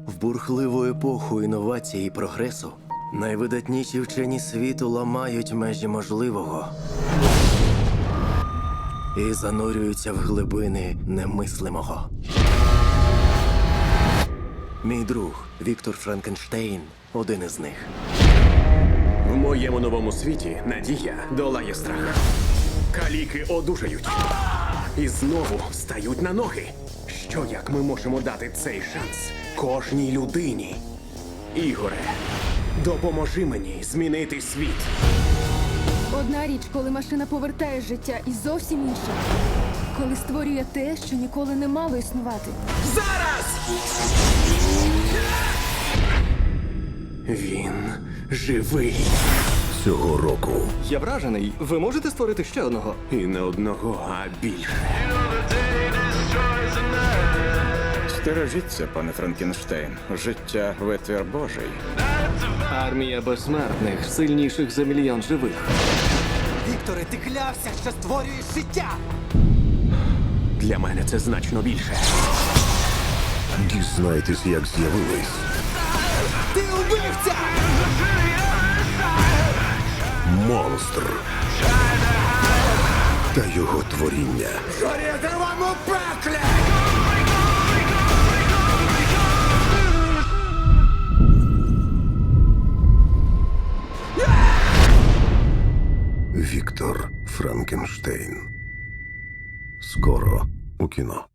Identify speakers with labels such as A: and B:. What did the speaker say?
A: В бурхливу епоху інновацій і прогресу найвидатніші вчені світу ламають межі можливого і занурюються в глибини немислимого. Мій друг Віктор Франкенштейн – один із них.
B: В моєму новому світі надія долає страх. Каліки одужають. І знову стають на ноги. Що як ми можемо дати цей шанс кожній людині? Ігоре, допоможи мені змінити світ.
C: Одна річ, коли машина повертає життя, і зовсім інша, коли створює те, що ніколи не мало існувати.
B: Зараз! Він живий.
A: Цього року
D: Я вражений. Ви можете створити ще одного?
B: І не одного, а більше.
E: Стережіться, пане Франкенштейн. Життя витвір Божий.
D: Армія безсмертних, сильніших за мільйон живих.
F: Вікторе, ти клявся, що створюєш життя!
B: Для мене це значно більше.
A: дізнайтесь, як з'явились
F: Ти убивця!
A: монстр та його творіння.
F: Горіти вам у пеклі!
A: Віктор Франкенштейн. Скоро у кіно.